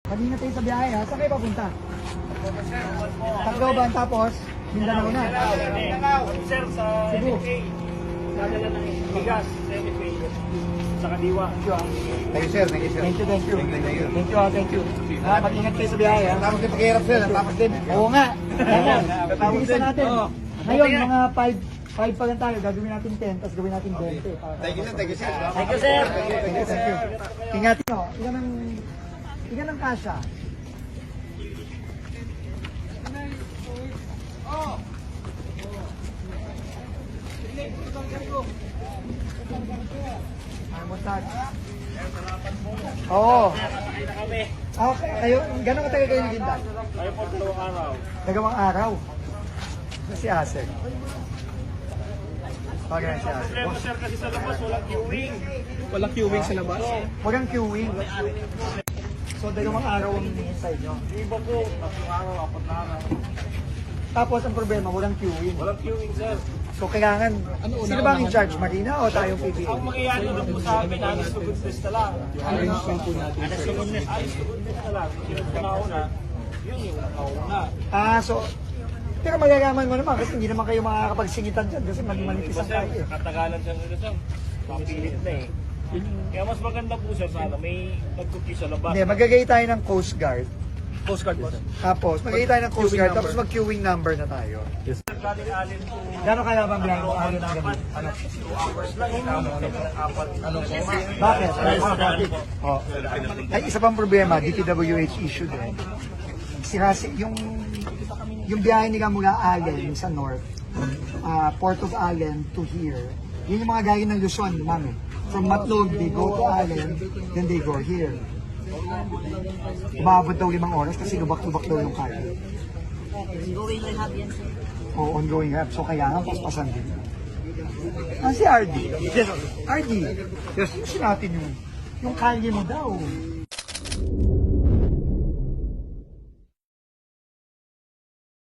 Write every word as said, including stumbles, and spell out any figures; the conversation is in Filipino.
Mag-ingat kayo sa biyahe ha. Saan kayo papunta? Tacloban tapos Mindanao na. Sir, sa Cebu. M F A, dadala ng bigas sa M F A, sa Kadiwa. Thank you, sir. Thank you, sir. Thank you, thank you. Thank you, thank you. Thank you, ah, thank you. Ha, mag-ingat kayo sa biyahe ha. Tapos din paghihirap, sir. Tapos din. Oo nga. Ano, Tapos ibigisan din. natin. Oo. Ngayon, mga five five pa lang tayo. Gagawin natin ten, tapos gawin natin twenty. Thank you, sir. Thank you, sir. Thank you, sir. Thank you, thank you. Ingatin nyo. Ilan ang, ilan ang kasha? Ay, montag. Oo. Nakakay na kami. Okay, kayo, gano'ng katagal kayo naghintay? Tayo po dalawang araw. Nagawang araw. Si Asek. Okay, si Asek. Problema, sir, kasi sa labas walang queuing. Walang queuing sa labas. Walang queuing. So, dalawang araw ang hinihintay nyo. Yung iba po, tatlong araw, apat na araw. Tapos, ang problema, walang queuing. Walang queuing, sir. So, kailangan, sino ba ang in charge? Marina o tayong P B A? Ang mangyayari lang po sa amin, alis to goodness na lang. Arrangement po natin. Alis to goodness, alis to goodness na lang. Sinunod ka na una, yun yung nauna. Ah, so, pero magagaman mo naman kasi hindi naman kayo makakapagsingitan dyan kasi manipis Iba, ang sir, tayo eh. katagalan siya nila, sir. Mapilit na eh. Kaya mas maganda po, sir, sana may nagkuki sa labas. Hindi, magagay tayo ng Coast Guard. Coast Guard boss. Tapos, magagay tayo ng Coast Queuing Guard, number. tapos mag-queuing number na tayo. Galing alin po. Gano'n kaya bang bilang mo alin ang gabi? Ano? two hours lang. Apat. Anong po? Bakit? Oh. Ay, isa pang problema, D P W H issued eh. Sirasi, yung yung biyahe nila mula Allen sa north, ah, Port of Allen to here, yun yung mga gaya ng Luzon, mami. From Matlog, they go to Allen, then they go here. Umabot daw limang oras kasi lubak-lubak daw yung kaya. Going rehab yan, sir. O ongoing rap, so kaya nga paspasan din. Ah, si R D. Yes, R D. Yes, yung natin yung, yung kalye mo daw.